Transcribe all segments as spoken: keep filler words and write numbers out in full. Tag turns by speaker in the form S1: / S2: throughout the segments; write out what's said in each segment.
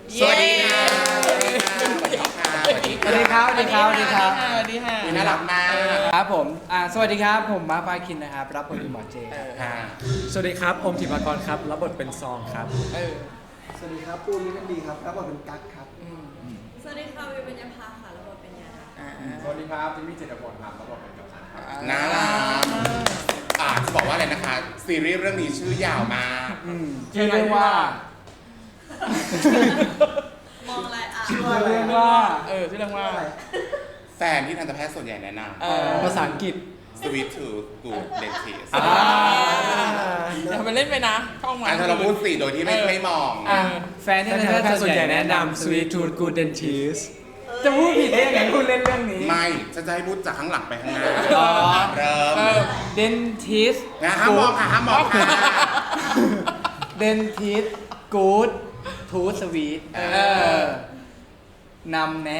S1: สวัสดีค่ะสวัสดีค่ะสวัสดีค่ะ
S2: สวัสดีครับสวัสดีครับสวัสดีครับ
S3: สวัสดีค่ะ
S1: คุณน่ารักมาก
S2: ครับผมอ่าสวัสดีครับผมมาร์คปาคินนะครับรับบทเป็นหมอเจครับ
S1: ค่ะ
S4: สวัสดีครับอมธิมากรครับรับบทเป็นซองครับ
S3: เออ
S5: สวัสดีครับปูนมิตรดีครับรับบทเป็นกั๊กครับ
S6: สวัสดีค่ะวิวเป็นยาพาค่ะระบบเป็นยาค่ะ
S4: สวัสดีครับจิมมี่เจตพลครับรับบทเป็นกัปตันครับ
S1: น่ารักอ่าจะบอกว่าอะไรนะคะ ซีรีส์เรื่องนี้ชื่อยาวมาก
S2: อืมชื่อเรื่องว่า
S6: มองอะไรอ่ะ
S2: ชื่อเรื่องว่า
S3: เออชื่อเรื่องว่า
S1: แฟนที่ทันตแพทย์ส่วนใหญ่แนะน
S3: เออ
S4: ภาษาอังกฤษ
S1: ำ Sweet to Good Dentist
S3: อ่าอย่าไปเล่นไปนะช่องมัน
S1: อันถ้าเราพูดสี่โดยที่ไม่ไม่มอง
S3: อ่า
S2: แฟนที่
S4: ท่าน
S2: ทันต
S4: แพ
S2: แพ
S4: ท
S2: ท
S4: ย์
S2: ย์
S4: ส่
S2: ส่
S4: ว
S2: วน น
S4: ให
S2: ให
S4: ญ่
S2: ญ่
S4: แนะ
S2: แนะนำ
S4: นำ Sweet Tooth Good Dentist
S2: จะพูดผิดได้ยังไงคุณเล่นเรื่องนี้
S1: ไม่ฉันจะให้พูดจากข้างหลังไปข้างหน้า
S2: อ๋อ
S1: เริ่ม
S3: เออ
S2: เดนทิส
S1: นะห้ามมองค่ะห้ามมองค่ะ
S2: เดนทิสกู๊ดทูสวีท
S1: เออ
S2: นำแนะ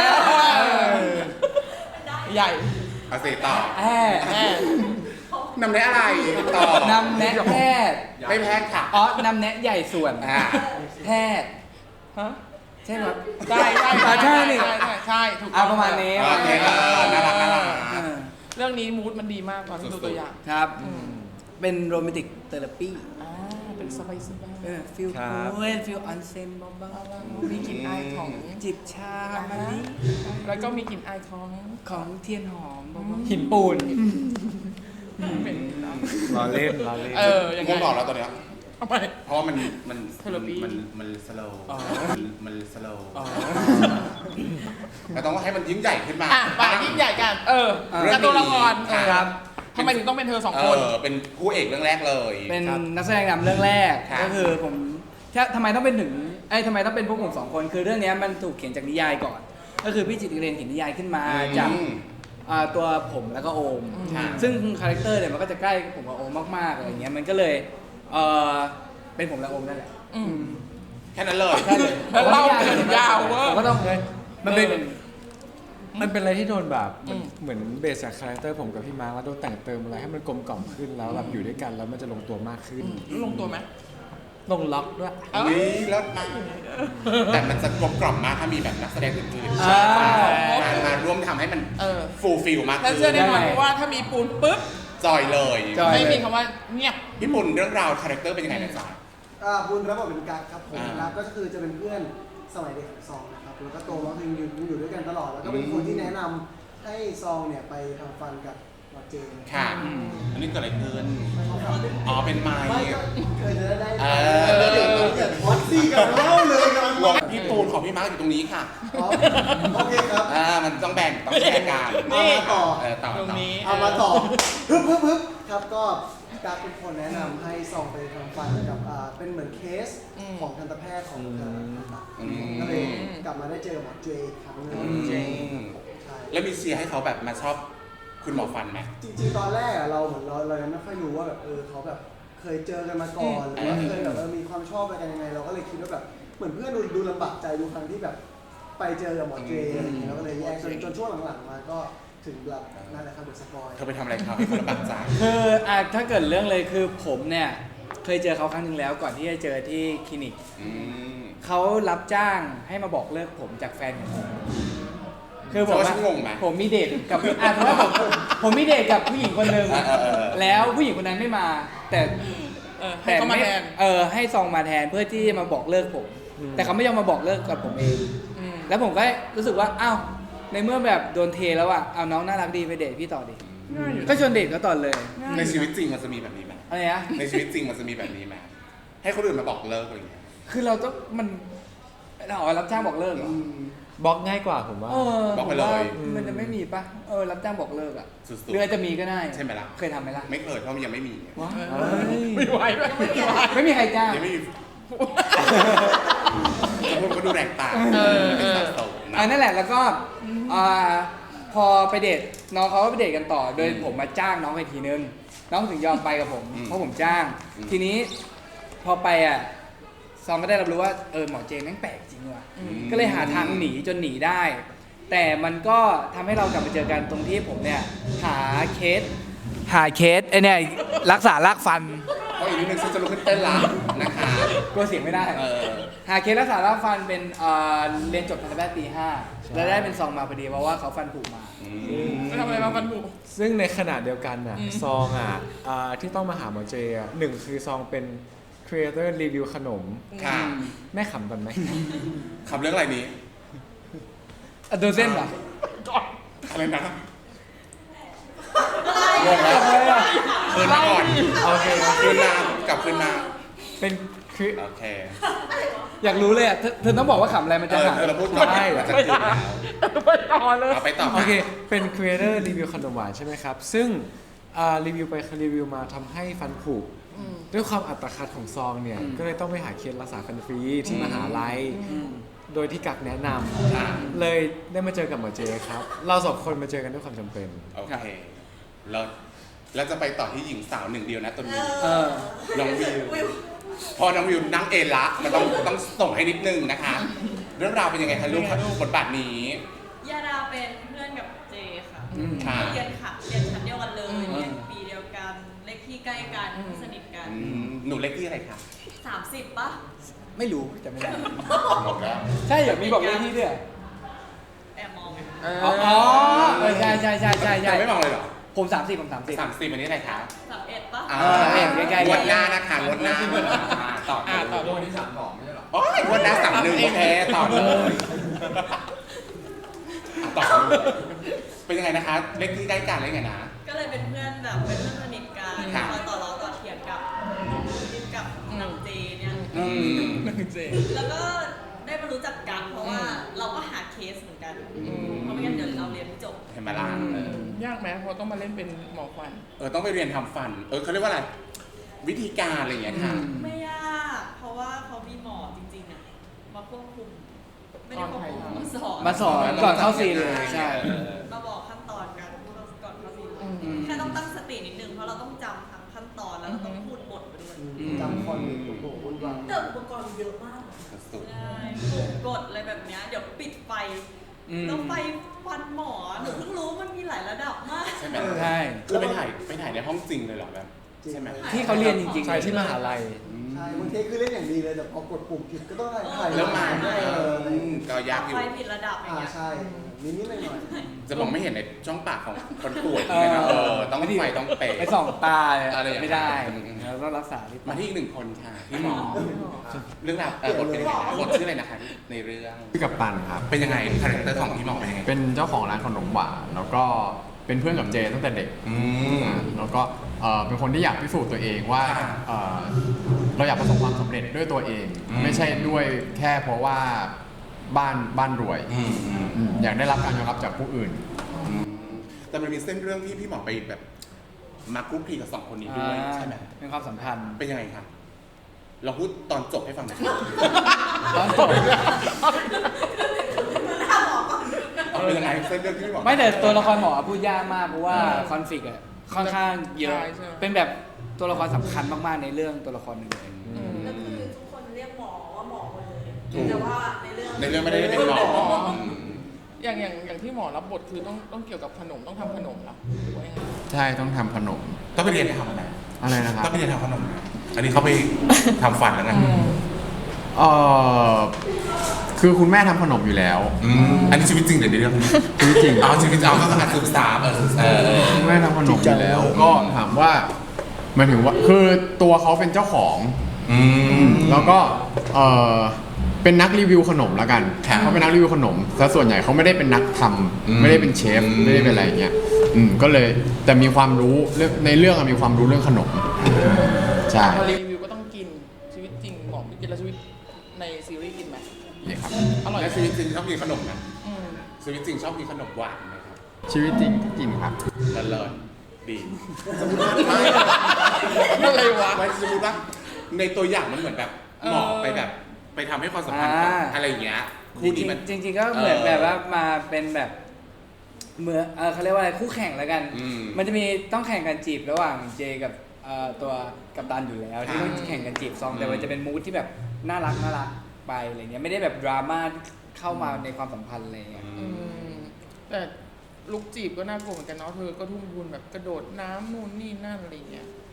S3: ใหญ่
S1: เอาสิต่อ
S2: แอด
S3: แม่
S1: นำได้อะไรต่อน
S2: ำแนะแพทย์
S1: ไม่แพ้ค่ะ
S2: อ๋อนำแนะใหญ่ส่วน
S1: อ่า
S2: แพทย์
S3: ฮะ
S2: ใช่ไหมครับ
S3: ใช่ใช่
S2: อ่าใช่นี่
S3: ใช่ใช่ใช่ถูกต้
S2: อ่า
S3: อง
S2: ประมาณนี้
S1: โอเคเออน่ารักน่ารัก
S2: เออ
S3: เรื่องนี้มูดมันดีมากตอนที่ดูตัวอย่าง
S2: ครับ เป็นโรแมนติกเทอราปี
S3: อ่าเป็นสบายสบาย
S2: เออฟิล
S4: ครับ
S2: คูลฟิลออนเซ็นเบา
S3: มีกลิ่นอายของ
S2: ๆจิบชามาลิ
S3: แล้วก็มีกลิ่นอายของ
S2: ของเทียนหอมเบา
S4: หินปูน
S3: เป็น
S4: รอเล่นรอเล่น
S3: เออยังไง
S1: ง่วงบอกแล้วตอนเนี้ย
S3: ทำไม
S1: เพราะว่ามันมัน
S3: Therapy
S1: มันมันสโลว์
S3: อ๋อ
S1: มันมันสโลว์
S3: อ๋อ
S1: เราต้องให้มันยิ่งใหญ่ขึ้นมา
S3: อ่ะไปยิ่งใหญ่กัน เออ
S1: เรื่อง
S3: กับตัวละคร
S1: นี้
S2: ๆครับ
S3: ทำไมถึงต้องเป็นเธอสอง
S1: เอ
S3: คน
S1: อเป็นคู่เอกเรื่องแรกเลย
S2: เป็น
S1: ครับ
S2: นักแสดงนำเรื่องแรก
S1: ครับ
S2: ก็คือผมแค่ทำไมต้องเป็นถึงไอ้ยทำไมต้องเป็นพวกผมสองคน คือเรื่องเนี้ยมันถูกเขียนจากนิยายก่อน ก็คือพี่จิตรเรนเขียนนิยายขึ้นมาจาก
S1: อืม
S2: อ่าตัวผมแล้วก็โอม
S1: ค่ะ
S2: ซึ่งคาแรคเตอร์เนี่ยมันก็จะใกล้ผมกับโอมมากๆอะไรเงี้ยมันก็เลยเออเป็นผมและโอมนั่นแหละ
S3: อืม
S1: แค่นั้นเลย
S2: ใช่เลย
S3: แล้วเล่ากันยาวเวอร์
S2: ผมก็ต้อง
S4: มันเป็น มันเป็นอะไรที่โดนแบบเหมือน
S3: อืม
S4: เหมือนเบสจากคาแรคเตอร์ผมกับพี่มาร์คแล้วโดนแต่งเติมอะไรให้มันกลมกล่อมขึ้นแล้วแบบอยู่ด้วยกันแล้วมันจะลงตัวมากขึ้น
S3: ลงตัวไหม
S4: ลงล็อกด้วย
S3: เอ้า
S1: วิเลิศมากแต่มันจะกลมกล่อมมากถ้ามีแบบนักแสดงอื่นๆ
S2: อ่า
S1: มามาร่วมทำให้มัน
S3: เออ
S1: ฟูลฟิลมาก
S3: แล้ว
S1: ขึ้
S3: เชื่อแน่นอน
S2: ได้
S3: เพราะว่าถ้ามีปูนปุ๊บ
S1: จอยเลย
S2: จอย
S3: ไม่มีคำว่าเงียบ
S1: พี่ปุ่นเรื่องราวคาแรคเตอร์เป็นยังไงนะจ๊ะ
S5: อ่าปูนรับบทเป็นกั๊กครับผม
S1: อ่า
S5: กั๊กก็คือจะเป็นเพื่อนสมัยเด็กของซองนะครับแล้วก็โตมาคืออยู่อยู่ด้วยกันตลอดแล้วก็เป็นคนที่แนะนำให้ซองเนี่ยไปทำฟันกับหมอเจน
S1: ค่ะ อันนี้เกิดอะไรขึ้นอ๋อเป็นไม้
S5: ไม่ก็เคยจะได้
S1: เอ
S5: ได้
S1: อ
S5: เดี๋ยวเราเกิดพอดซี่กันเล่าเลยกำลัง
S1: งงพี่ปูนของพี่มาร์คอยู่ตรงนี้ค่ะ
S5: อ๋อโอเคครับ
S1: อ่ามันต้องแบ่งต้องแชร์กัน
S5: เอามาต่อ
S1: เออต่อ
S3: ตรง
S1: ต่อ
S3: นี้
S5: เอามาต่อฮึบฮึบฮึบครับก็กั๊กเป็นคนแนะนำให้ซองไปทำฟันกับอ่าเป็นเหมือนเคส
S3: อืม
S5: ของทันตแพทย์ของทางผ่าตัด
S1: อืม
S5: ก็เลยกลับมาได้เจอหมอเจอีกครั้งหนึง
S1: อืม
S5: ใช่
S1: แล้วมีเชียร์ให้เขาแบบมาชอบคุณหมอฟันไหม
S5: จริงๆ ตอนแรกอะเราเหมือนเราเรายังไม่ค่อยรู้ว่าแบบเออเขาแบบเคยเจอกันมาก่อนหรือว่า
S1: อืม
S5: เคยแบบเออมีความชอบอะไรกันยังไง เราก็เลยคิดว่าแบบเหมือนเพื่อนดูดูลำบากใจดูครั้งที่แบบไปเจอกับหมอเจอะไรอย่างเงี้ยเราก็เลยแยกจนจนช่วงหลังๆมาก็ถึงแบบนั่นแหละครับเดอะสปอย
S1: เธอไปทำอะไรเขาให้เขาลำบากใจ
S2: คืออ่ะถ้าเกิดเรื่องเลยคือผมเนี่ยเคยเจอเขาครั้งหนึ่งแล้วก่อนที่จะเจอที่คลินิก
S1: อืม
S2: เขารับจ้างให้มาบอกเลิกผมจากแฟนของผมคือผม
S1: เขาว่า
S2: ว่า
S1: ฉันงงไหม
S2: ผมมีเดทกับอ่ะเพราะว่าผมผมมีเดทกับผู้หญิงคนหนึ่ง
S1: เออเออเออ
S2: แล้วผู้หญิงคนนั้นไม่มา แต่
S3: เออให้เขามาแทน
S2: เออให้ซองมาแทนเพื่อที่จะมาบอกเลิกผม แต่เขาไม่ยอมมาบอกเลิกกับผมเอง
S3: อืม
S2: แล้วผมก็รู้สึกว่าอ้าวในเมื่อแบบโดนเทแล้วอ่ะเอาน้องน่ารักดีไปเดทพี่ต่อดิ
S3: ง่ายอยู่
S2: ก็ชวนเดทก็ต่อเลย
S1: ในชีวิตจริงมันจะมีแบบนี้ไหม
S2: อะไรนะ
S1: ในชีวิตจริงมันจะมีแบบนี้ไหมให้คนอื่นมาบอกเลิกอะไรอย่างเงี้ย
S2: คือเราต้องมันเราเอารับจ้างบอกเลิกเหรอ
S4: บล็อกง่ายกว่าผมว่า
S2: เออ
S1: บอกไปเลย
S2: ผมว่ามันจะไม่มีปะเออรับจ้างบอกเลิกอ่ะ
S1: สุดๆ
S2: หรืออาจจะมีก็ได้
S1: ใช่ไหมล่ะ
S2: เคยทำไหมล่ะ
S1: ไม่เคยเพราะมันยังไม่มี
S2: ว้า
S3: เออไม่ไหวด้วยไม่ไหว
S2: ไม่มีใครจ้าง
S1: ยังไม่มีพวกก็ดูแรงต่าง
S3: เออ
S1: เป็นสัดส่วนนะ
S2: อ่านั่นแหละแล้วก็อ่าพอไปเดทน้องเขาก็ไปเดทกันต่อ โดย
S1: อืม
S2: ผมมาจ้างน้องไปทีนึงน้องถึงยอมไปกับผม
S1: อืม
S2: เพราะผมจ้าง
S1: อืม
S2: ทีนี้พอไปอ่ะซองก็ได้รับรู้ว่าเออหมอเจนแม่งแปลกจริงว่ะ
S3: อืม
S2: ก็เลยหาทางหนีจนหนีได้ แต่มันก็ทำให้เรากลับมาเจอกันตรงที่ผมเนี่ยหาเคสหาเคสไอเนี่ยรักษารากฟัน
S1: เพราะอีนิดนึงฉันจะลุกขึ้นเต้นละนะคะ
S2: กลัวเสียงไม่ได้
S1: เออ
S2: หาเคสรักษาร่างฟันเป็นเอ่อเรียนจบทันตแพทย์ปีห้าแล้วได้เป็นซองมาพอดีเพราะว่าเขาฟันผุมา
S3: ไปทำอะไรมาฟันผุ
S4: ซึ่งในขณะเดียวกันน่ะ
S3: อืม
S4: ซองอ่ะอ่าที่ต้องมาหาหมอเจอ่ะหนึ่งคือซองเป็น Creator Review ขนม
S1: ค่ะ
S4: แม่ขำกันไหม
S1: คำเรื่องอะไรนี้
S2: อ่ะโดนเส้นเหรอ
S1: อะไรนะ
S2: งงแล้วเลยอ่ะ
S1: คืนมาก่อน
S4: โอเคโอเค
S1: คืนมากลับคืนมา
S4: เป็นคือ
S1: โอเค
S2: อยากรู้เลยอ่ะเธอเธอต้องบอกว่าขำอะไรมัน
S1: เอ
S2: จะ
S1: อ
S2: หาย
S1: เธอเราพูดก่อน
S4: ได้
S1: มันจะ
S3: ไม่
S1: คืน
S3: ได้
S1: แล้ว
S3: ไปต่อเลย
S1: เอาไปต่อ
S4: โอเค เป็น Creator Review ขนมหวานใช่ไหมครับ ซึ่งอ่ารีวิวไปรีวิวมาทำให้ฟันผุด้วยความอัตคัดของซองเนี่ย ก็เลยต้องไปหาเคสรักษาฟันฟรีที่มหาลัย โดยที่กักแนะน
S1: อ่ะ
S4: ำเลยได้มาเจอกับหมอเจครับ เราสองคนมาเจอกันด้วยความจำเป็น
S1: โอเคแล้วเราจะไปต่อที่หญิงสาวหนึ่งเดียวนะตอนนี้
S2: เออ
S1: น้องวิว พอน้องวิวนั่งเอนละ มันต้องต้องส่งให้นิดนึงนะคะ เรื่องราวเป็นยังไงคะลูกบทบาทนี้
S6: ยาดาเป็นเพื่อนกับเจค่ะ
S2: อืม
S1: ค่ะ
S6: เรียนค่ะเรียนชั้นเดียวกันเลย
S2: อืม
S6: เรียนปีเดียวกัน เลขที่ใกล้กัน สนิทกัน
S1: อืมหนูเล็กที่อะไรคะ
S6: สามสิบปะ
S2: ไม่รู้จำไม่ได้
S1: หมดแล้ว
S2: ใช่เหรอมีบอกเลขที่ด้วยเหรอ
S6: แอบมอง
S3: เออ
S2: อ๋ออ๋อเออใช่ใช่ใช่ใช่ใช่
S1: จะไม่มองเลยเหรอ
S2: ผมสามสิบผมสามสิบ
S1: สามสิบอันนี้อะไรคะ
S6: สามเอ็ดปะ
S1: อ่า
S2: เออเห็นใกล้ๆ
S1: งวดหน้านะคะงวดหน้าอ่าต่อ
S3: อ่าต่อ
S1: วันนี้สามสองไม่ใช่หรอโอ้ยงวดหน้าสามหนึ่งโอเคต่อเลยต่อเลยเป็นยังไงนะคะ เลขที่ใกล้กันเลยไงนะ
S6: ก็เลยเป็นเพื่อนแบบเป็นเพื่อนสนิทกัน
S1: ค่ะ
S6: คอยต่อล้อต่อเถียงกับกับนางเจเนี่ย
S2: อืม
S3: หนึ่งเจ
S6: แล้วก็ได้มารู้จักกันเพราะว่าเราก็หาเคสเหมือนกัน เพราะไม่งั้นเดี๋ยวเราเรียนไม่จบ
S1: เห็นไหมล่ะเออย
S3: ากไหมเพราะต้องมาเล่นเป็นหมอควัน
S1: เออต้องไปเรียนทำฟัน เออเขาเรียกว่าอะไร วิธีการอะไรอย่างเงี้ยค่ะ
S2: อืม
S6: ไม่ยาก เพราะว่าเขามีหมอจริงๆอะมาควบคุม ไม่ได้ควบคุมมาสอน
S2: มาสอนก่อนเข้าซีนเลยใช่
S6: มาบอกขั้นตอนกันก่อนเข้าซีน
S3: อืม
S6: แค่ต้องตั้งสตินิดนึงเพราะเราต้องจำทั้งขั้นตอนแล้วเราต้องพูดบทไปด้วย
S5: จำคอนโอ้โหวุ่นวาย
S6: แต่อุปกรณ์เยอะมาก
S1: สุด
S6: ใช่ปุ่มกดอะไรแบบเนี้ยเดี๋ยวปิดไฟ
S2: อืม
S6: แล้วไฟฟันหมอหนูเพิ่งรู้มันมีหลายระดับมาก
S1: ๆใช่ไหม
S2: ใช่
S1: คือไปถ่ายไปถ่ายในห้องจริงเลยเหรอแบบใช่ไหม
S2: ที่เขาเรียนจริงๆ
S4: ใช่ที่มหาลัย
S5: ใช่บางเทคคือเล่นอย่างดีเลยแต่พอกดปุ่มผิดก็ต้องถ่ายถ่าย
S1: แล้วมา
S5: ได้เออ
S1: อืมก็ยากอยู่
S6: ไฟผิดระดับอย่าง
S5: อ่า
S6: เงี้ย
S5: ใช่นิดนิดหน่อยหน่อย
S1: จะมองไม่เห็นในช่องปากของคนป่วยเลยนะเออต้องไฟต้องเป๊ะ
S2: ไปส่องตาเลย
S1: อะไรอย่างเงี้ย
S2: ไม่ได้
S1: อืม
S2: เราต้องรักษาที่
S1: มาที่อีกหนึ่งคนค่ะพี่หมอ เรื่องราวเออบทเป็นยังไงนะบทชื่ออะไรนะคะในเรื่อง
S7: พี่กับตันครับ
S1: เป็นยังไงคาแรคเตอร์ของพี่หมอเป็นยังไง
S7: เป็นเจ้าของร้านขนมหวานแล้วก็เป็นเพื่อนกับเจตั้งแต่เด็ก
S1: อืม
S7: อ่าแล้วก็เอ่อเป็นคนที่อยากพิสูจน์ตัวเองว่า
S1: ค่ะ
S7: เอ่อเราอยากประสบความสำเร็จด้วยตัวเอง
S1: อืม
S7: ไม่ใช่ด้วยแค่เพราะว่าบ้านบ้านรวย
S1: อืมอืม
S7: อืมอยากได้รับการยอมรับจากผู้อื่น
S1: อืมแต่มันมีเส้นเรื่องที่พี่หมอไปแบบมาคุกคีกับสองคนนี้ด้วยใช่ไหม
S2: เป็นความสัมพันธ์
S1: เป็นยังไงครับเราพูดตอนจบให้ฟังหน่อย
S2: ตอนจบ
S1: เอาเป็นยังไงเส้นเรื่องที่พี่หมอ
S2: ไม่แต่ตัวละครหมอพูดยากมากเพราะว่าคอนฟ lict อะค่อนข้างเยอะ
S3: ใช่ใช่
S2: เป็นแบบตัวละครสำคัญมากๆในเรื่องตัวละครหนึ่งเลย
S6: ก็คือทุกคนเรียกหมอว่าหมอหมดเลย
S1: ถูก
S6: แต่ว่าในเรื่อง
S1: ในเรื่องไม่ได้เป็นหมออืม
S3: อย่างอย่างอย่างที่หมอรับบทคือต้องต้องเกี่ยวกับขนมต้องทำขนมเหรอหรือว่ายังไง
S7: ใช่ต้องทำขนม
S1: ต้องไปเรียนทำอะไร
S7: อะไรนะครับ
S1: ต้องไปเรียนทำขนมนะอันนี้เขาไปทำฟันแล้วนะ
S7: เอ่อคือคุณแม่ทำขนมอยู่แล้ว
S1: อืมอันนี้ชีวิตจริงหรือในเรื่อง
S7: ชีวิตจริง
S1: เอาชีวิตเอาก็คือการศึกษาเออเออ
S7: คุณแม่ทำขนมอยู่แล้ว ก็ถามว่าหมายถึงว่าคือตัวเขาเป็นเจ้าของ
S1: อืม
S7: แล้วก็เออเป็นนักรีวิวขนมแล้วกัน
S1: ครับ
S7: เขาเป็นนักรีวิวขนมแต่ส่วนใหญ่เขาไม่ได้เป็นนักทำ
S1: อืม
S7: ไม่ได้เป็นเชฟ
S1: อืม
S7: ไม่ได้เป็นอะไรอย่างเงี้ยอืมก็เลยแต่มีความรู้เรื่องในเรื่องอะมีความรู้เรื่องขนมใช่
S3: พอรีวิวก็ต้องกินชีวิตจริงหมอไม่กินแล้วชีวิตในซีรีส์กินไหม
S7: นี่ครับ
S3: อร่อยไหม
S1: และชีวิตจริงชอบกินขนมนะ
S3: อืม
S1: ชีวิตจริงชอบกินขนมหวานไหมครับ
S7: ชีวิตจริงก็กินครับ
S1: เลิศเลิศดี
S3: อะไรวะ
S1: ไม่สมมติว่าในตัวอย่างมันเหมือนแบบหมอไปแบบ ไปทำให้ความสัมพันธ์
S2: อ่า
S1: อะไรอย่างเงี้ย
S2: จ
S1: คู่
S2: ริ
S1: นี้
S2: ง
S1: มัน
S2: ๆจริง ๆ ก็เหมือน
S1: เออ
S2: แบบว่ามาเป็นแบบเหมือนเออเขาเรียกว่าอะไรคู่แข่งแล้วกัน
S1: อืม
S2: มันจะมีต้องแข่งกันจีบระหว่างเจกับเอ่อตัวกัปตันอยู่แล้วที่
S1: ค่ะ
S2: ต้องแข่งกันจีบซอง
S1: อืม
S2: แต่มันจะเป็นมูทที่แบบน่ารักน่ารักไปอะไรเงี้ยไม่ได้แบบดราม่าเข้ามาในความสัมพันธ์อะไรเงี้ย
S3: อืมแต่ลุกจีบก็น่ากลัวเหมือนกันเนาะเธอก็ทุ่มทุนแบบกระโดดน้ำนู่นนี่นั่นอะไรเงี้ย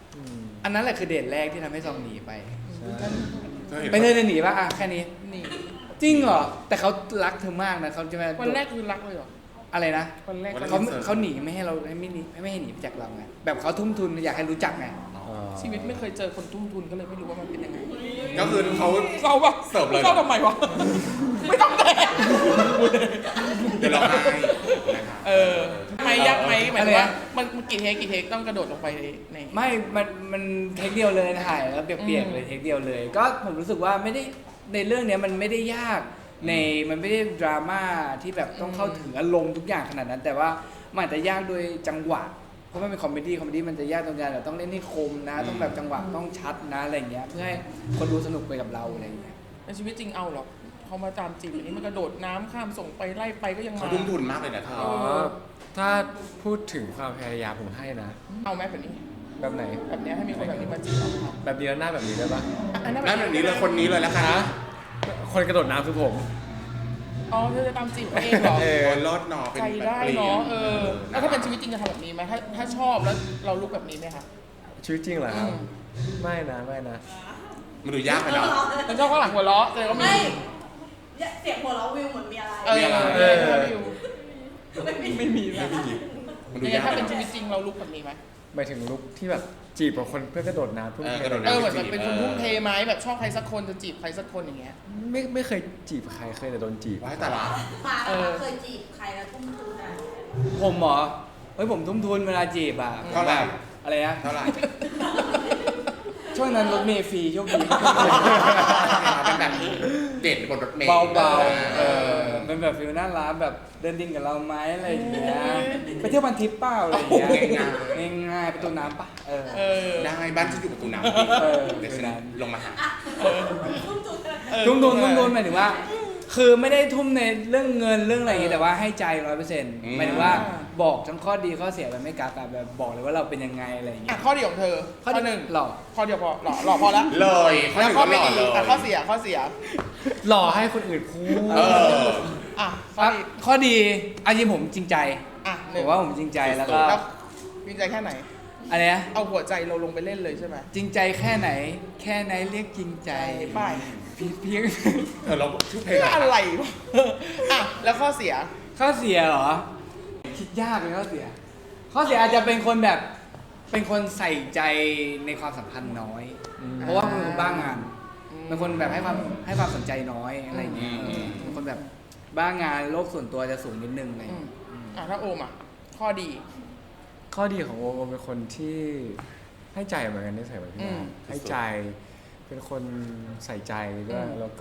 S2: อันนั้นแหละคือเดทแรกที่ทำให้ซองหนีไป
S1: เธอเห็น
S2: ไปเธอจะหนีปะอ่ะแค่นี้
S3: นี่
S2: จริงเหรอแต่เขารักเธอมากนะเขาจะมา
S3: วันแรกคือรักเลยเหรอ
S2: อะไรนะ
S3: วันแรก
S2: เขาเขาหนีไม่ให้เราไม่หนีไม่ให้หนีไปจากเราไงแบบเขาทุ่มทุนอยากให้รู้จักไง
S3: ชีวิตไม่เคยเจอคนทุ่มทุนก็เลยไม่รู้ว่ามันเป็นยังไง
S1: ก็คือเขา
S3: เศร้าปะ
S1: เสิร์ฟเลย
S3: เศร้าทำไมวะ ไม่ต้องแดก
S1: เดี๋ยวเราให้นะคะ
S3: เออไม่ยากไหมหมายถึงว่ามันมันกี่เทคกี่เทคต้องกระโดดลงไปในใน
S2: ไม่ มัน มันเทคเดียวเลยถ่ายแล้วเปียกๆเลยเทคเดียวเลย ก็ผมรู้สึกว่าไม่ได้ ในเรื่องเนี้ยมันไม่ได้ยาก ใน มันไม่ได้ดราม่าที่แบบต้องเข้าถึงอารมณ์ทุกอย่างขนาดนั้น แต่ว่ามันอาจจะยากโดยจังหวะ เพราะมันเป็นคอมเมดี้ คอมเมดี้มันจะยากตรงการแบบต้องเล่นให้คมนะ ต้องแบบจังหวะต้องชัดนะอะไรอย่างเงี้ย เพื่อให้คนดูสนุกไปกับเราอะไรอย่างเงี้ย
S3: ในชีวิตจริงเอาหรอกเขามาตามจีบอันนี้มันกระโดดน้ำข้ามส่งไปไล่ไปก็ยังมา
S1: เขาทุ่มทุนมากเลยนะเธอ
S4: อ๋อถ้าพูดถึงความพยายามผมให้นะ
S3: เอาไหมแบบนี้
S4: แบบไหน
S3: แบบเนี้ยให้มีคนแบบนี้มาจีบเราครับ
S4: แบบนี้แล้วหน้าแบบนี้ได้ปะ
S3: อันนั้น
S1: นั่นแบบนี้เลยคนนี้เลยแล้วค่ะ
S4: คนกระโดดน้ำคือผม
S3: อ๋อเธอจะตามจีบเขาเองเหรอ
S4: เอ
S1: โอ้ยรอดหนอเป็น
S3: ใจ
S1: แบบ
S3: ได้
S1: เปลี่ย
S3: เนาะ
S1: น
S3: เออแล้วถ้าเป็นชีวิตจริงจะทำแบบนี้ไหมถ้าถ้าชอบแล้วเราลุกแบบนี้ไหมคะ
S4: ชีวิตจริงเหรอครับ ไม่นะไม่นะ
S1: มันดูยากไปเนาะ
S3: มันชอบข้างหลังหัวเราะแต่ก็มี
S6: ไม่เนี่ยเสียงหัวเราะวิวเหมือนมีอะไร
S3: เออ
S1: มีอะไร
S3: เออถ้าวิว
S6: ไม่มี
S3: ไม่มีนะ
S1: มันดู
S3: ยังไง
S1: ยาก
S3: ถ้า
S1: ไป
S3: เป็น
S1: เนาะ
S3: ชีวิตจริงเราลุกแบบนี้ไหม
S4: หมายถึงลุกที่แบบจีบกับคนเพื่อกระโดดน้ำเพื่อ
S1: เออกระโดด
S3: เอ
S1: น้ำ
S3: อเหมือนแบบเป็นคนทุ่มเทไหมแบบชอบใครสักคนจะจีบใครสักคนอย่างเงี้ย
S4: ไม่ไม่เคยจีบใครเคยแต่โดนจีบ
S1: ว้ายแต่ละ
S6: มา
S3: เออ
S6: เคยจีบใครแล้วทุ่มทุนอะ
S2: ผมเหรอ เฮ้ยผมทุ่มทุนเวลาจีบอ่ะ
S1: เท่าไหร่
S2: แบบอะไรนะ
S1: เท่าไหร่
S2: ช่วงนั้นรถเมล์ฟรีโชคดี
S1: เป็นแบบเด็ดบนรถเมล์
S2: เบาๆ เออเป็นแบบฟิลน่ารักแบบเดินดินกับเราไหมอะไรอย่างเงี้ย ไปเที่ยวพันทิปเปล่าอะไรอย่างเงี้ย ง่ายๆประตูน้ำปะเออ
S3: เออ
S1: ได้บ้านฉันอยู่ประตูน้
S2: เออ
S1: ำเดี๋ยวฉันลงมาหา
S6: ทุ่มทุนอะ
S3: เออ
S2: ทุ่มทุนทุ่มทุนหมายถึงว่า คือไม่ได้ทุ่มในเรื่องเงินเรื่องอะไรอย่างเงี้ยแต่ว่าให้ใจร้อยเปอร์เซ็นต์
S1: อืม
S2: หมายถึงว่าบอกทั้งข้อดีข้อเสียแบบไม่กากอะแบบบอกเลยว่าเราเป็นยังไงอะไรอย่างเงี้
S3: อ่ะ
S2: ย
S3: ข้อดีของเธอ ข้อหนึ่ง
S2: หล่อ
S3: ข้อเดียวพอหล่อหล่อพอละ
S1: เลยข้อห
S3: แล้ว
S1: นึ่ง
S3: ข้อ
S1: ก็ห
S3: ไม่
S1: ล่อ
S3: ดี
S1: เลย
S3: อ่ะข้อเสียข้อเสีย
S4: หล่อให้คนอื่นพูด
S1: เออ
S3: อ่ะข้อ
S2: อ่ะ
S3: ดี
S2: ข้อดีอันนี้ผมจริงใจ
S3: อ่ะห
S2: ผ
S3: นึ่ง
S2: มว่าผมจริงใจแล้วก็
S3: แล้วจริงใจแค่ไหน
S2: อะไรนะ
S3: เอาหัวใจเราลงไปเล่นเลยใช่ไหม
S2: จริงใจแค่ไหน แค่ไหนเรียกจริงใจ
S3: ไป
S2: เพียงเพียง
S1: เออเราชื่อเพลง
S3: เพื่อ
S1: อะ
S3: อะไร ไรวะอ่ะแล้วข้อเสีย
S2: ข้อเสียเหรอ คิดยากเลยข้อเสีย ข้อเสียอาจจะเป็นคนแบบเป็นคนใส่ใจในความสัมพันธ์น้อย เพราะว่าเป็นคนบ้างาน
S3: อืม
S2: เป็นคนแบบให้ความให้ความสนใจน้อยอะไรอย่างเงี้ย
S1: อืม
S2: เออเป็นคนแบบบ้างานโลกส่วนตัวจะสูงนิดนึงอะไรอย่าง
S3: อืม
S2: เงี้ย
S3: อ่ะถ้าโอมอ่ะข้อดี
S4: ข้อดีของโอมโอมเป็นคนที่ให้ใจเหมือนกันได้ใส่เหมือนพี่
S3: อืม
S4: นาให้ใจ เป็นคนใส่ใจด้วย
S3: อืม
S4: แล้วก็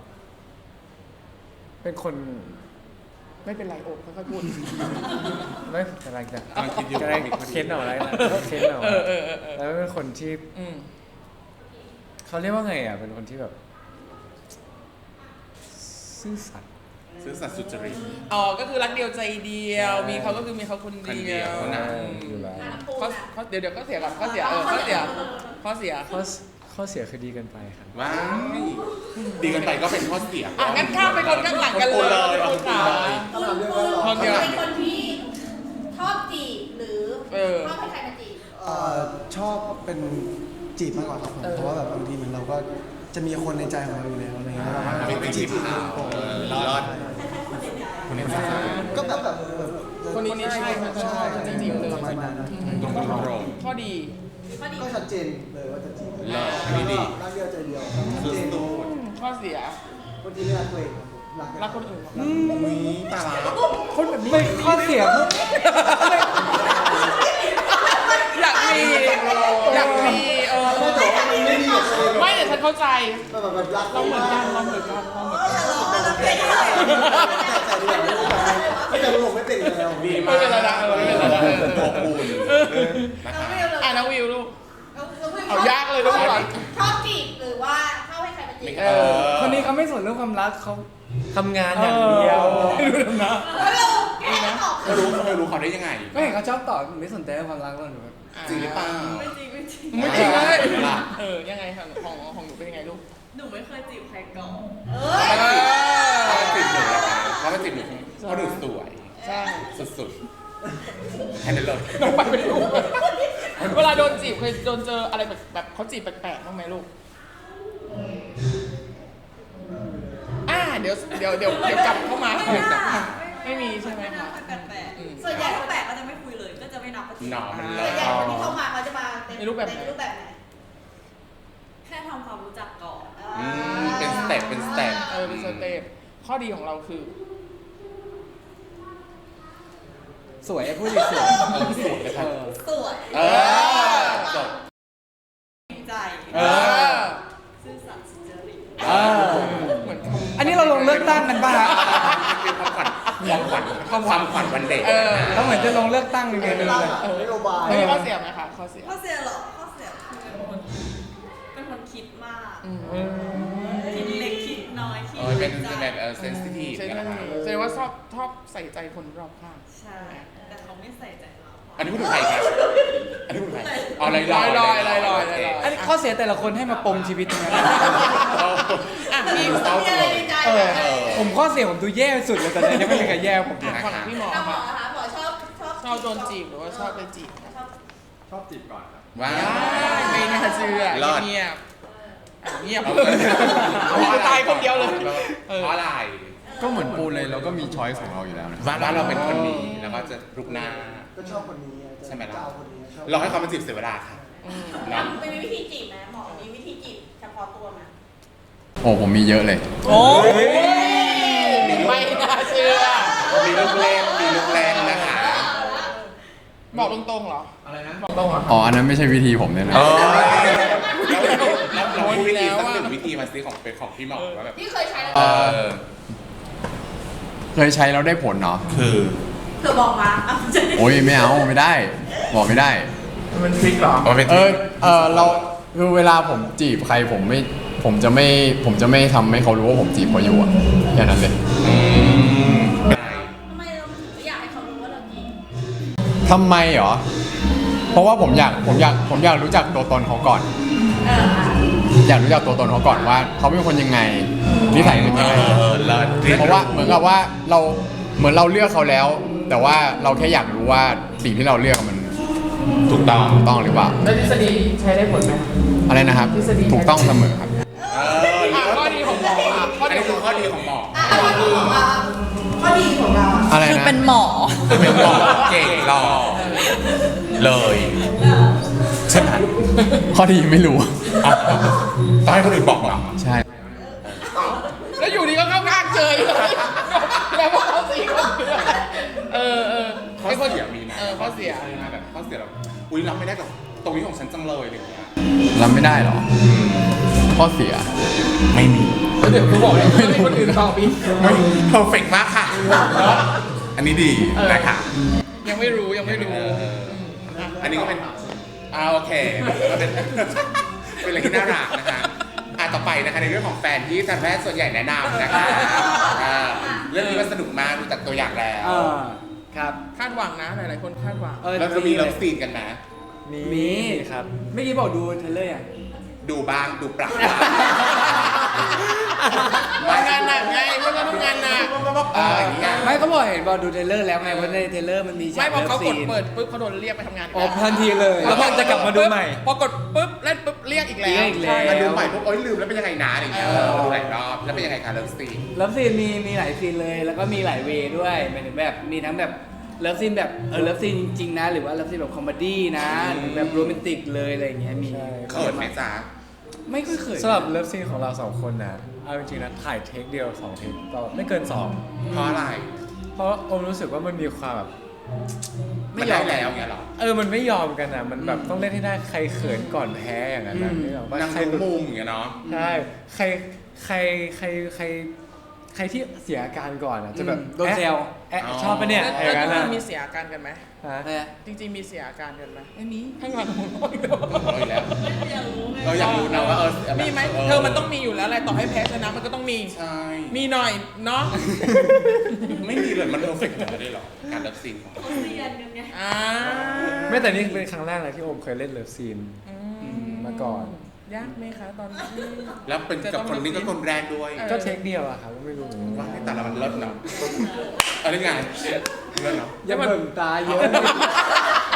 S4: เป็นคน
S3: ไม่เป็นไรโอมค่อยๆพูด
S4: ไม่กำลังจะ
S1: กำลังคิดอยู่
S4: กำลังเค้นเอาอะไรนะเค้นเอา
S3: เออเออเออเออ
S4: แล้วเป็นคนที่
S3: อืม
S4: เขาเรียกว่าไงอ่ะ เป็นคนที่แบบซื่อสัตย์
S1: ซื้อสัตว์สุจริต
S3: อ๋อก็คือรักเดียวใจเดียว มีเขาก็คือมีเขาคน
S1: คนเดี
S3: เดี
S1: ย
S3: ยว ว
S1: นะ
S4: อยู่แล้ว
S6: อ่ะปู
S3: ข้อ
S6: น่ะ
S3: ข้อเดี๋ยวเดี๋ยวก็เสียก่อนข้อเสียเออข้อเสียข้อเสีย
S4: ข้อข้อเสียคือดีเกินไปครับ
S1: ว้ายดีกันไปก็เป็นข้อเสีย
S3: อ่ะงั้นข้ามไปคนข้างหลังกันเลย
S1: เอา
S3: คุณ
S1: ปู
S3: ขา
S1: เลย
S5: คำถามเรื่องแรก
S3: คนเดียว
S6: เป็นคนที่ชอบจีบหรือ
S3: เออ
S6: ชอบให้ใครมาจีบ
S5: เอ่อชอบเป็นจีบมากกว่าครับผม
S3: เออ
S5: เพราะว่าแบบบางทีเหมือนเราก็จะมีคนในใจของเราอยู่แล้วอะไรเงี้ยแล้วเราก็
S1: ไม่เป็นจีบเขาเออรอดคนนี้ใช่
S5: ก็แบบแบบแบบ
S3: คนนี้ใช่คนชอบจริงๆเลย
S5: ประมาณนั้น
S1: ตรงตรง
S3: ข้อดี
S6: ข้อดี
S5: ก็ชัดเจนเลยว่าจะจีบ
S1: เลิศอันนี้ดี
S5: รักเดียวใจเดียวชัด
S1: คือ
S5: เจน
S1: ตูด
S3: ข้อเสีย
S5: คนที่ไม่รักตัวเองครับผมรัก
S3: รักคนอื่น
S1: อุ้ยตาละ
S2: คนแบบไม่ข้อเสียพวก
S3: อยากมีอยากมีเออ
S5: ไม่แต่ว่ามันไม่ดีกับตัวเอง
S3: ไม่แต่ฉันเข้าใจ
S5: แบบแบบแบบรัก
S3: เราเหมือนกันเราเหมือนกันเราเหมือนกัน
S6: เราเป็นอะไร
S5: แต่แต่ผมไม่เป็นอยู่แล้ว
S1: ดี
S3: ไม่
S1: มาก
S3: เป็นไรนะเออไม่เป็นไรนะเออ
S1: อบอุ่นนะคะ
S3: อ่ะน้องวิวลูก
S6: เอา
S3: เอายากเลยลูกก่อน
S6: ชอบจีบหรือว่าชอบให้ใครมาจีบ
S1: เออ
S2: คนนี้เขาไม่สนเรื่องความรักเขา
S4: ทำงานอย่างเดียว
S2: ไม่รู้นะ
S6: แล้วเราแก้ตอบ
S1: เธอรู้เธอรู้เขาได้ยังไง
S2: ก็เห็นเขาชอบตอบไม่สนใจเรื่องความรักหรอกหนูแบบ
S1: จริงหรือเปล่า
S6: ไม่จริงไม่จริง
S3: ไม่จริงเลย
S1: ล่ะ
S3: เออยังไงของของของหนูเป็นยังไงลูก
S6: หนูไม่เคยจีบใครก่อนเอ
S3: เอ
S6: อ
S3: อ
S1: เขาเป็นจีบหนูนะคะเขาเป็นจีบหนูเพราะหนูสวย
S3: ใช่
S1: สุดๆแค่นั้นเลย
S3: น้องไปไม่ถูกเวลาโดนจีจีบเคยโดนเจออะไรแบบแบบเขาจีบแปลกๆบ้างไหมลูกอ่าเดี๋ยวเดี๋ยวเดี๋ยวเดี๋ยวกลับเข้ามาเดี๋ยวกลับเข้ามาไม่มีใช่ไหม
S6: ไม่น่า
S3: คะ
S6: ค่อยแปลก
S3: อืม
S6: ๆส่วนใหญ่ถ้าแปลกก็จะไม่คุยเลย ก็จะไม่นับปฏิ
S1: หนอมันเล
S6: ส่
S1: ย
S6: วนใหญ่คนที่เข้ามาเขาจะมา
S3: ในรูปแบบไหน
S6: ในรูปแบบไหนแค่ทำความรู้จักก่อน
S1: อืมเป็นสเต็ปเป็นสเต็ป
S3: เออเป็นสเต็ปข้อดีของเราคือ
S2: สวยพูดดิสวย
S1: เออสวยนะครับ
S6: สวย
S1: เออจบ
S6: จริงใจ
S1: เออ
S6: ซื่อสัตย์สุจริต
S2: เออ
S3: เหมือน
S2: อันนี้เราลงเลือกตั้งกันป่ะฮะ
S1: เป็นความขวัญความขวัญความขวัญวันเด็ก
S3: เออ
S2: เราเหมือนจะลงเลือกตั้งยังไง
S5: เป็
S2: ไม่
S5: น
S2: รู้เลย
S5: นโยบาย
S3: ไม่มีข้อเสียไหมคะข้อเสีย
S6: ข้อเสียเหรอข้อเสียคือเป็นคนเป็นคนคิดมาก
S3: อืม
S6: คิดเล็กคิดน้อยคิด
S1: เออเป็น
S6: ใจ
S1: แบบเออเซนซิทีฟ
S3: ใช่
S1: กัน
S3: ไหม
S1: นะครับ
S3: แสดงว่าชอบชอบใส่ใจคนรอบข้าง
S6: ใช่ แต่เขาไม่ใส่ใจเรา
S1: อันนี้พูดถึงใครครับอันนี้พูดถึงใครอ๋อลอยล
S3: ล
S1: อ
S3: อยยลอยลอยลอย
S1: โเค
S3: ลอย
S2: อันนี้ข้อเสียแต่ละคนให้มาปมชีวิตทั้งนั้น
S3: อ่ะมี
S6: แต่มีอะไรในใจ
S2: เออ
S6: ไหม
S2: ผมข้อเสียผมดูแย่สุดเลยตอนนี้ยังไม่มีใครแย่ผมเลย
S3: อ่ะฝั่งพี่หมอ
S6: ถ้าหมอ
S3: ค่ะ
S6: นะคะหมอชอบชอบ
S3: ชอบโดนจีบหรือว่าชอบไปจีบ
S6: ชอบ
S7: ชอบจีบก่อนครับ
S1: ว้า
S3: ไม่น่าเชื่อ
S1: รอด
S3: เงียบอ่ะเงียบ
S1: เอา
S3: เอาตายคนเดียวเลย
S1: เพราะอะไร
S7: ก็เหมือนปูนเลยเราก็มีช้อยส์ของเราอยู่แล้วนะ
S1: ว่าว่าเราเป็นคนนี้แล้วก็จะรุกหน้า
S5: ก็ชอบคนนี้
S1: ใช่ไหมล่ะ
S5: จะเอาคนนี้ชอบ
S1: เราให้เขามาจีบเสียเวลาค่ะเนาะ
S6: ไม่มีวิธีจีบไหมหมอมีวิธีจีบเฉพาะตัวไหม
S7: โอ้ผมมีเยอะเลย
S3: โอ้ยไม่น่าเชื่อ
S1: มีลูกเล่นมีลูกเล่นนะคะ
S3: บอกตรงๆเหรอ อะไรนะ บอกตรงเหรอ
S7: อ๋ออันนั้นไม่ใช่วิธีผมเนี่ยนะ
S1: เออแล้วเราพูดวิธีสักหนึ่งวิธีมาซื้อของเป็นของพี่หมอว่าแบบ
S6: ที่เคยใช้แล้ว
S1: เออ
S7: เคยใช้แล้วได้ผลเนาะ
S1: คือ
S6: เธอบอกมาอ่ะจะได้
S7: โอ้ยไม่เอาไม่ได้ บอกไม่ได้
S3: มันทริคเหรอ
S1: เอาเป็น
S7: เออเออเราคือเวลาผมจีบใครผมไม่ผมจะไม่ผมจะไม่ทำให้เขารู้ว่าผมจีบเขาอยู่อะแค่นั้นเลย
S6: ทำไมเราถึงไม่อยากให้เขารู้ว่าเราจีบ
S7: ทำไมเหรอ เพราะว่าผมอยากผมอยากผมอยากรู้จักตัวตนเขาก่อน
S6: เอออ่ะ
S7: อยากรู้จักตัวตนเขาก่อนว่าเขาเป็นคนยังไงนิสัยเป็นยังไง
S1: เออเลิศ
S7: เพราะว่าเหมือนกับว่าเราเหมือนเราเลือกเขาแล้ว แต่ว่าเราแค่อยากรู้ว่าสิ่งที่เราเลือกมัน
S1: ถูกต้อง
S7: ถูกต้องหรือเปล่า
S3: แล้วทฤษฎีใช้ได้ผลไหม
S7: อะไรนะครับ
S3: ทฤษฎี
S7: ถูกต้องเสมอครับ
S1: เออ
S3: อ่ะข้อดีของหมออ่ะข้อ
S1: อัน
S3: ดี
S1: นี้
S3: ข
S1: คือ อง ข้อดีของหมอ
S6: อ่ะข้อดีของเราข้อดีของเรา
S7: อะไร
S6: คือ
S7: นะ
S6: เป็นหมอ
S1: คือเป็นหมอเก่งหล่อเลยใช่ไหม
S7: ข้อดีไม่รู้
S1: เอาต้องให้คนอื่นบอกเหรอ
S7: ใช่
S3: แล้วอยู่ดีก็เข้าข้างเจยเลยแล้วพวกเขาสี่คนเออเออ
S1: ข้อ
S3: ไอ้คน
S1: เสียมีไหม
S3: เออข้อเสีย
S1: แบบข้อเสียแบบอุ้ยรับไม่ได้กับตรงนี้ของฉันจังเลยอะไรอย่างเงี้ย
S7: รับไม่ได้เหรอ ข้อเสีย
S1: ไม่มี
S3: แล้วเดี๋ยวเขาบอกเลยไม่มีคนอื่นตอบอีก
S1: ไม่เพอร์เฟกมากค่ะ อันนี้ดีนะคะ
S3: ยังไม่รู้ยังไม่รู้
S1: เอออันนี้ก็เป็นอ่าโอเคก็เป็น เป็นอะไรที่น่ารักนะคะอ่ะต่อไปนะคะในเรื่องของแฟนที่ทันแพทย์ส่วนใหญ่แนะนำนะคะอ่าเรื่องนี้มันสนุกมากดูจากตัวอย่างแล้ว
S2: อ่าครับ
S3: คาดหวังนะหลายๆคนคาดหวัง
S2: เออ
S1: แล้วจะมีเลิฟซีนกันไหม
S2: มีครับเมื่อกี้บอกดูเทรลเลอร์อ่ะ
S1: ดูบ้างดูปรับ
S3: ทำงานหนักไงเพื่อนก็ทำงานหนัก
S1: เอออย่างเงี้ย
S2: ไม่ก็บอกเห็นบอกดูเทรลเลอร์แล้วไงเพราะในเทรลเลอร์มันมีฉา
S3: ไม่
S2: ก
S3: พอ
S2: เลิฟ
S3: เขาก
S2: ซี
S3: ด
S2: น
S3: เปิดปุ๊บเขาโดนเรียกไปทำงานอีก
S2: อ๋อ
S3: แล้ว
S2: ทันทีเลยแล้วมันจะกลับมาดูใหม่
S3: พอกดปุ๊บเล่นปุ๊บเรียกอีกแล้ว
S2: เรียกอีกแล้ว
S1: มาดูใหม่ปุ๊บโอ๊ยลืมแล้วเป็นยังไงนะอะไรอย่างเงี้ยเออมาดูหลายรอบแล้วเป็นยังไงคะเลิฟซีน
S2: เลิฟซีนมีมีหลายซีนเลย แล้วก็มีหลายเวย์ด้วยหมายถึงแบบมีทั้งแบบเลิฟซีนแบบเออเลิฟซีนจริงๆนะ หรือว่าเลิฟซีนแบบคอมเมดี้นะหรือแบบโรแมนติกเลยอะไรอย่างเงี้ยมี
S1: เขินไหมจ๊ะ
S2: ไม่ค่อยเขิน
S4: สำหรับเลิฟซีนของเราสองคนนะเอาจริงๆนะถ่ายเทคเดียวสองเทคก็ไม่เกินสอง
S1: เพราะอะไร
S4: เพราะอมรู้สึกว่ามันมีความแบบ
S1: ไม่ได้แล้วเงี้ยเหรอ
S4: เออมันไม่ยอมกันนะมันแบบต้องเล่นให้ได้ใครเขินก่อนแพ้อย่างนั้นนะนึกออกปะ
S1: นาง
S4: ใคร
S1: ดูมุมอย่างเงี้ยเนาะ
S4: ใช่ใครใครใครใครใครที่เสียอาการก่อนอ่ะจะแบบ
S2: โดนแซว
S4: แอะชอบปะเนี่ย
S3: แล้ว
S4: อย่างนั้น
S3: แล้ว
S4: นะ
S3: มีเสียอาการกันไหม
S4: ฮะ
S2: อะไรนะ
S3: จริงๆมีเสียอาการกันไหม
S2: ไม่มี
S3: ข้างหลังผมก็ไม่รู้
S1: เอาอีกแล้ว
S6: อยากรู้ไง
S1: เราอยากรู้นะว่าเออแบบ
S3: มีไหมเธอมันต้องมีอยู่แล้วแหละต่อให้แพ้ชนะมันก็ต้องมี
S1: ใช่
S3: มีหน่อยเนาะ
S1: ไม่มีเลยมันเพอร์เฟกต์แบบนี้หรอการเลิฟซีนของ
S6: เขาเรียนกันไง
S3: อ่า
S4: ไม่แต่นี่เป็นครั้งแรกเลยที่โอมเคยเล่นเลิฟซีน มาก่อน
S3: ยากไหมคะตอนที่
S1: แล้วเป็นกับคนนี้ก็คนแรกด้วย
S3: เออ
S4: ก็เทคเดียวอะครับไม่รู้
S1: ว่าให้แต่ละมันเลิศเนาะอะไรไงเลิศเนาะ
S2: อย่าเบิ่งตาเยอะ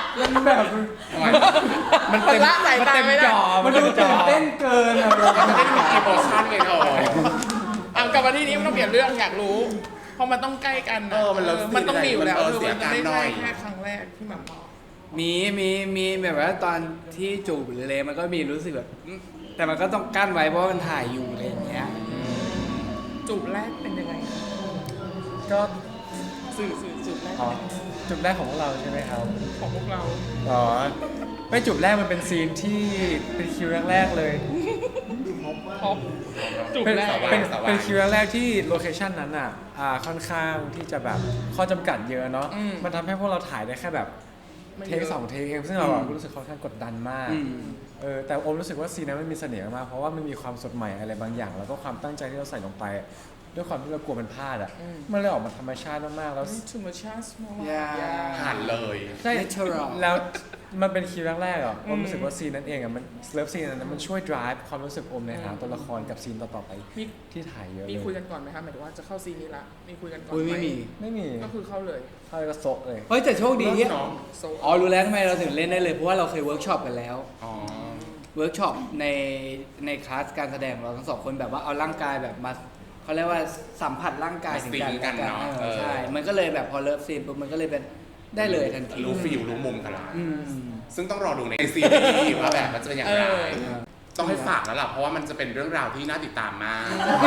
S2: มันแบบ
S3: มันเต็มละสายตาไม่ได้
S2: มันดูตื่นเต้นเกินอะ
S1: มันไม่ได้มีอีโมชั่นเลยเธอ
S3: เอากลับมาที่นี้ไม่ต้องเปลี่ยนเรื่องอยากรู้ เพราะมันต้องใกล้กันนะ
S1: เออมันเลิฟซีน
S3: มันต้องมีอยู่แล้ว
S1: เออ
S3: คือมันจะไม่
S1: เสียการหน่
S3: ใช่
S1: อย
S3: แค่ครั้งแรกที่แบบบอก
S2: มีมีมีแบบว่าตอนที่จูบหรืออะไรมันก็มีรู้สึกแบบอืมแต่มันก็ต้องกั้นไว้เพราะว่ามันถ่ายอยู่อะไรอย่างเงี้ย
S3: จูบแรกเป็นยังไงคะ
S4: ก็
S3: สื่อสื่อจูบแรก
S4: อ๋อจุดแรกของพวกเราใช่ไหมครับ
S3: ของพวกเรา
S4: อ๋อไม่จุดแรกมันเป็นซีนที่เป็นคิวแรกๆเลย
S3: พบจูบ
S4: เป็น
S3: แรก
S4: เป็นเป็นคิวแรกๆที่โลเคชันนั้นอ่ะอ่าค่อนข้างที่จะแบบข้อจำกัดเยอะเนาะมันทำให้พวกเราถ่ายได้แค่แบบ
S3: ไม่
S4: เท
S3: เย
S4: ค
S3: อะ
S4: สองเทคเองซึ่งเราอะรู้สึกค่อนข้างกดดันมาก
S2: อืม
S4: เออแต่โอมรู้สึกว่าซีนนั้นมันมีเสน่ห์มากเพราะว่ามันมีความสดใหม่อะไรบางอย่าง แล้วก็ความตั้งใจที่เราใส่ลงไป ด้วยความที่เรากลัวมันพลาดอ่ะมันเลยออกมาธรรมชาติมากๆแล้ว
S3: ธรรมชาติมาก
S2: อย่า
S1: ผ่านเลย
S4: ใช่
S2: Natural
S4: แล้วมันเป็นคิวแรกๆอ่ะผมรู้สึกว่าซีนนั้นเองอ่ะมันเลิฟซีนนั้นมันช่วย drive ความรู้สึกโอมในหาตัวละครกับซีนต่อๆไป
S3: มี
S4: ที่ถ่ายเยอะ
S3: มี
S4: เล
S3: คุย
S4: ย
S3: กันก่อนไหมคะหมายถึงว่าจะเข้าซีนนี้ละมีคุยกันก่อน
S2: อุ้ย
S3: ไหม
S2: ไม่มี
S4: ไม่มี
S3: ก็คือเข้าเลย
S4: เข้าไปก็โซะเลย
S2: เฮ้ยแต่โชคดีที่
S1: เนาะ
S3: โซ
S2: อ๋อรู้แล้วทำไมเราถึงเล่นได้เลยเพราะว่าเราเคยเวิร์กช็อปกันแล้ว
S1: อ๋อ
S2: เวิร์กช็อปในในคลาสการแสดงของเราทั้งสองคนแบบว่าเอาร่างกายแบบมาเขาเรียกว่าสัมผัสร่างกาย
S1: มา
S2: ถึง
S1: ซิง
S2: กัน
S1: กัน
S2: และ
S1: เนาะ
S2: เอ
S1: เอ
S2: อ
S1: อ
S2: ใช่ มันก็เลยแบบพอเลิฟซีนปุ๊บมันก็เลยเป็นได้เลยทันที
S1: รู้ฟิลรู้มุมกันละ
S2: อืม
S1: ซึ่งต้องรอดูในซีรีส์ว่าแบบมันจะเป็นอย่างไร
S3: เออ
S1: ต้องให้ฝากแล้วล่ะ เพราะว่ามันจะเป็นเรื่องราวที่น่าติดตามมาก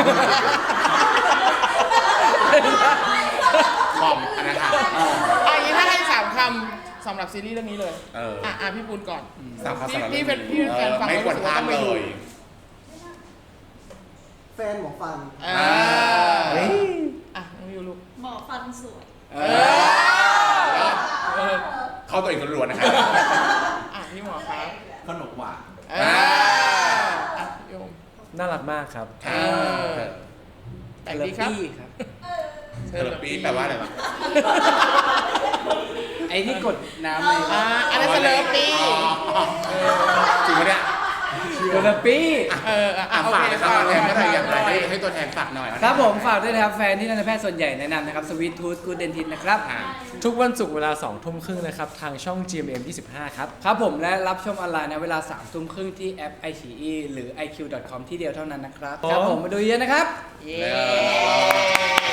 S1: บอมอันนั้นค่ะ
S3: อ่ะอย่างนี้ถ้าให้สามคำสำหรับซีรีส์เรื่องนี้เลย
S1: เออ
S3: อ่ะอ่ะพี่ปูนก่อน
S1: สามคำสำหรับ
S3: พี่เป็นพี่เป็นแฟนฟัง
S1: ไม่ควรพลาดเลย
S5: แฟนหมอฟัน
S3: อ่าอ่ะน้องยูลูก
S6: หมอฟันสวย
S2: เอ
S3: เอ
S2: อ
S3: อเออ
S1: เข้าตัวเองล้วนๆนะครับ
S3: อ่ะพี่หมอครับ
S8: ขนมหวาน
S3: เอออ่ะโยม
S4: น่ารักมากครับ
S1: ค่ะ
S3: เออ แต่งดีครับ
S2: พี่ครับ
S1: เทอร์ปีแปลว่าอะไรวะ
S2: ไอ้ที่กดน้ำเลย
S3: อ่าอันนั้นสเลอร์ปี้
S1: อ๋อจริงปะเนี่ย
S2: เทอราปี
S3: เอออ่ะ
S1: อ่ะ
S3: โอ
S1: ฝาก
S3: เค
S1: เลยครับตัวแทนเมื่อไหร่อย่างไร
S3: ฝากหน่
S1: ให้
S3: อย
S1: ให้ตัวแทนฝากหน่อย
S2: ครับผมฝากด้วยนะครับแฟนที่ทันตแพทย์ส่วนใหญ่แนะนำนะครับสวีททูธกูเดนทินนะครับ
S1: อ่ะ
S4: ทุกวันศุกร์เวลาสองทุ่มครึ่งนะครับ ทางช่อง จี เอ็ม เอ็ม ยี่สิบห้า ครับ
S2: ครับผมและรับชมออนไลน์ในเวลาสามทุ่มครึ่งที่แอป ไอ ซี อี หรือ ไอ คิว ดอท คอม ที่เดียวเท่านั้นนะครับ ครับผมมาดูเยอะนะครับ
S3: เย้